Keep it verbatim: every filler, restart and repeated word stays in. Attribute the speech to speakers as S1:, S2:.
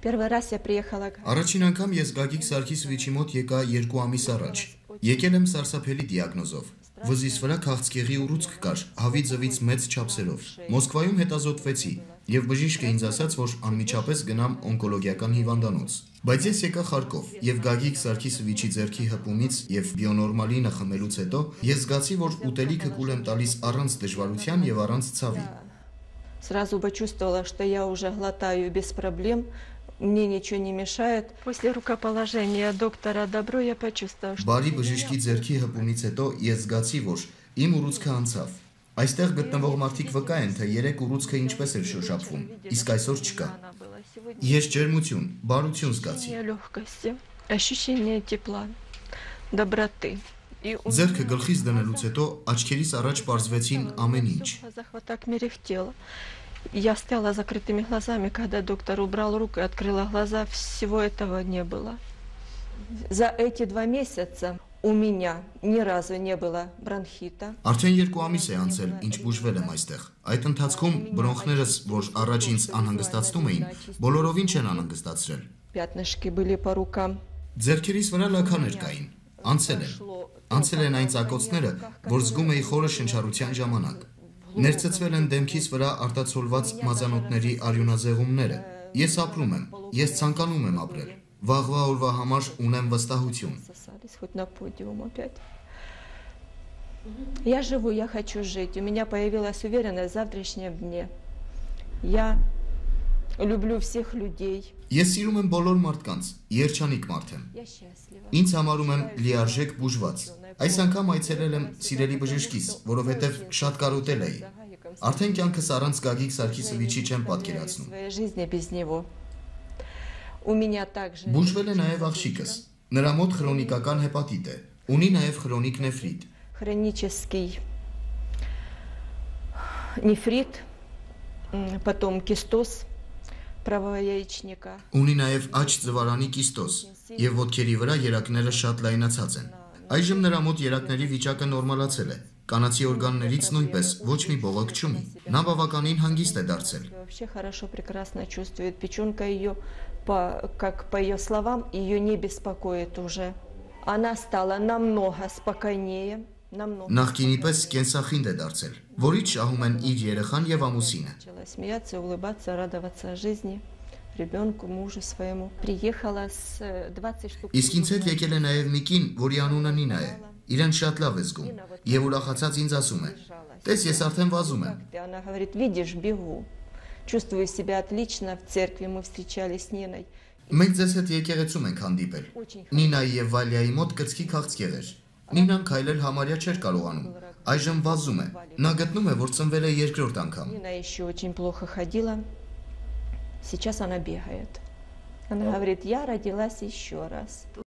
S1: Первый раз я приехала.
S2: Առաջին անգամ ես Գագիկ Սարգիսովիչի մոտ եկա երկու ամիս առաջ։ Եկել եմ սարսափելի դիագնոզով։ Վզիս վրա քաղցկեղի ուռուցք կար, հավի ձվից մեծ չափսերով։ Մոսկվայում հետազոտվեցի, եւ բժիշկը ինձ ասաց, որ անմիջապես գնամ օնկոլոգիական հիվանդանոց։ Բայց ես եկա Խարկով, եւ Գագիկ Սարգիսովիչի ձեռքի հպումից եւ բիոնորմալինը խմելուց հետո ես զգացի, որ ուտելիքը կուլ եմ տալիս առանց դժվարության եւ առանց ցավի։
S1: Сразу почувствовала, что я уже глотаю без проблем. Мне ничего не мешает. После рукоположения доктора Добро я почувствовала, что...
S2: Բարի բժշկի ձեռքի հպումից հետո ես զգացի, որ իմ ուռուցքը անցավ։ Այստեղ գտնվող մարդիկ վկա են, թե երեք ուռուցքը ինչպես էր շոշափվում, իսկ այսօր չկա։ Ես ջերմություն, բարություն զգացի։
S1: Легкости, ощущение тепла, доброты.
S2: Ձեռքը գլխից դնելուց հետո աչքերիս առաջ պարզվեցին ամեն ինչ։
S1: Захват так мерехтело. Я стояла закрытыми глазами, когда доктор убрал руку и открыла глаза, всего этого не было. За эти два месяца у меня ни разу не было бронхита.
S2: Արդեն երկու ամիս է անցել, ինչ բուժվել եմ այստեղ։ Այդ ընթացքում բրոնխներս, որ առաջ ինձ անհանգստացնում էին, բոլորովին չեն անհանգստացրել։
S1: Пятнышки были по рукам.
S2: Ձեռքերիս վրա լաքաներ կային։ Անցել են։ Անցել են այն ծակոցները, որ զգում էի խորը շնչառության ժամանակ։ Ներծծվել են դեմքիս վրա արտացոլված մազանոթների արյունազեղումները։ Ես ապրում եմ, ես ցանկանում եմ ապրել։ Վաղվա օրվա համար ունեմ վստահություն։
S1: Я живу, я хочу жить. У меня появилась уверенность в завтрашнем дне. Я люблю всех людей.
S2: Ես սիրում եմ բոլոր մարդկանց, երջանիկ մարդ եմ։ Ինձ համարում եմ լիարժեք բուժված։ Այս անգամ այցելել եմ սիրելի բժշկիս, որովհետև շատ կարոտել էի։ Արդեն կյանքս առանց Գագիկ Սարգիսովիչի չեմ պատկերացնում։ Բուժվել է նաև աղջիկս։ Նրա մոտ քրոնիկական հեպատիտ է, ունի նաև քրոնիկ նեֆրիտ։
S1: Хронический нефрит, потом кистоз правого яичника.
S2: Ունի նաև աջ ձվարանի կիստոզ, եւ ոտքերի վրա երակները շատ լայնացած են։ Այժմ նրա մոտ երակների վիճակը նորմալացել է։ Կանացի օրգաններից նույնպես ոչ մի բողոք չունի։ Նա բավականին հանգիստ է դարձել։
S1: Вообще хорошо, прекрасно чувствует. Печёнка её, по, как по её словам, её не беспокоит уже. Она стала намного спокойнее.
S2: Նախկինի պես կենսախինդ է դարձել, որից շահում են իր երեխան եւ ամուսինը։
S1: Смеяться, улыбаться, радоваться жизни, ребёнку, мужу своему. Приехала с двадцать штук.
S2: Իսկ ինձ հետ եկել է նաեւ մի կին, որի անունը Նինա է։ Իրեն շատ лав է զգում եւ ուրախացած ինձ ասում է. «Տես, ես արդեն վազում եմ»։
S1: Она говорит: «Видишь, бегу. Чувствую себя отлично в церкви, мы встречались с Ниной».
S2: Մենք ձեզ հետ եկեղեցում ենք հանդիպել։ Նինայի եւ Վալիայի մոտ կցքի քաղցկեղ էր։ Նինան քայլել համարյա չէր կարողանում։ Այժմ վազում է։ Նա գտնում է, որ ծնվել է երկրորդ անգամ։
S1: Нина еще очень плохо ходила. Сейчас она бегает. Она говорит: «Я родилась еще раз».